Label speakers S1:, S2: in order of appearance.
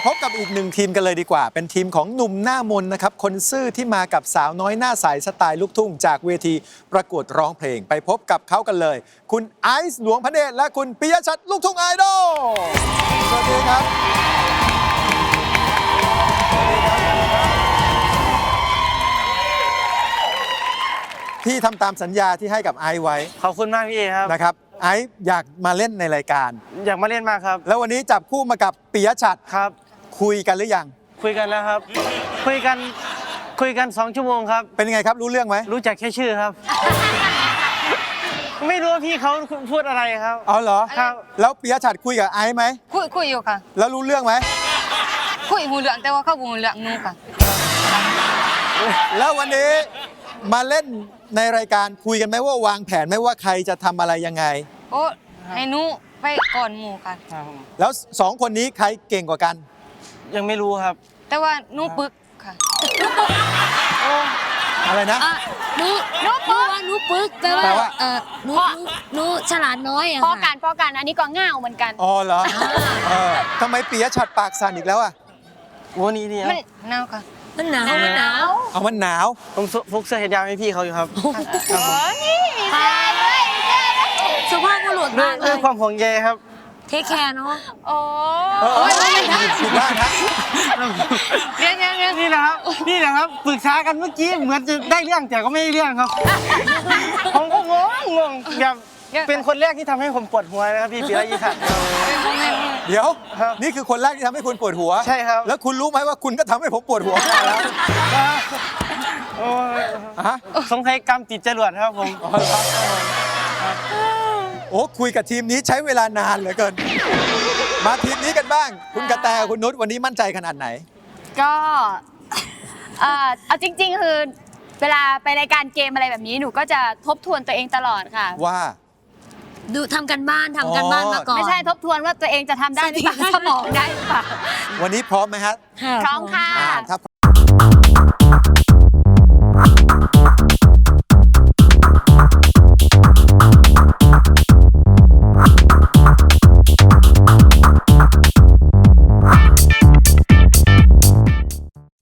S1: พบกับอีกหนึ่งทีมกันเลยดีกว่าเป็นทีมของหนุ่มหน้ามนนะครับคนซื่อที่มากับสาวน้อยหน้าใสสไตล์ลูกทุ่งจากเวทีประกวดร้องเพลงไปพบกับเขากันเลย คุณไอซ์หลวงพระเดชและคุณปิยชัดลูกทุ่งไอดอลสวัสดีครับพี่ทำตามสัญญาที่ให้กับไอซ์ไว้
S2: ขอบคุณมากพี่ครับ
S1: นะครับไอซ์อยากมาเล่นในรายการ
S2: อยากมาเล่นมากครับ
S1: แล้ววันนี้จับคู่มากับปิยชัด
S2: ครับ
S1: คุยกันหรือยัง
S2: คุยกันแล้วครับคุยกัน2 ชั่วโมงครับ
S1: เป็นยังไงครับรู้เรื่องไหม
S2: รู้จักแค่ชื่อครับ ไม่รู้ว่าพี่เขาพูดอะไรครับ
S1: อ๋อเหรอ
S2: ครับ
S1: แล้วปิยชัดคุยกับไอซ์ไหม
S3: คุยอยู่ค่ะ
S1: แล้วรู้เรื่องไหม
S3: คุยหูเหลืองแต่ว่าเขาหูเหลืองนู่ค่ะ
S1: แล้ววันนี้มาเล่นในรายการคุยกันไหมว่าวางแผนไหมว่าใครจะทำอะไรยังไง
S3: โอ้ให้หนูไปก่อนหมู่ค่ะ
S1: แล้ว2 คนนี้ใครเก่งกว่ากัน
S2: ยังไม่รู้ครับ
S3: แต่ว่าหนูปึกค่ะ
S1: อะไรนะ
S4: หนูปึกแปลว่าหนูฉลาดน้อยอะ
S5: พอกันอันนี้ก็ง่าวเหมือนกัน
S1: อ๋อเหรอทำไมปิยชัดปากสั่นอีกแล้วอ่ะ
S2: วันนี้เนี่ย
S3: มันหนาวค่ะ
S4: มันหนาว
S1: เอามันหนาว
S2: ผมฟุกเสื้อเห็ดยาวให้พี่เขาอยู่ครับ
S5: โอ้นี่มีเสื้อด้วย
S4: สุภาพบุรุษมากเลย
S2: ด้วยความห่วงใยครับ
S4: เทคแคร์เนาะ
S5: โอ้
S1: ผิดบ้างนะ
S2: นี่แหละครับปรึกษากันเมื่อกี้เหมือนจะได้เรื่องแต่ก็ไม่ได้เรื่องครับผมก็งงแบบเป็นคนแรกที่ทำให้ผมปวดหัวนะครับพี่ปิยชัด
S1: เดี๋ยวนี่คือคนแรกที่ทำให้คุณปวดหัว
S2: ใช่ครับ
S1: แล้วคุณรู้ไหมว่าคุณก็ทำให้ผมปวดหัวแล้ว
S2: สงสัยกรรมติดจรวดครับผม
S1: โอ้คุยกับทีมนี้ใช้เวลานานเหลือเกินมาทีมนี้กันบ้างคุณกระแตคุณนุชวันนี้มั่นใจขนาดไหน
S5: ก็เอาจริงๆคือเวลาไปรายการเกมอะไรแบบนี้หนูก็จะทบทวนตัวเองตลอดค่ะ
S1: ว่า
S4: ดูทำกันบ้านมาก่อน
S5: ไม่ใช่ทบทวนว่าตัวเองจะทำได้หรือเปล่าสมองได้หรือเปล่า
S1: วันนี้พร้อมไหมฮะ
S5: พร้อมค่ะ
S1: ถ้า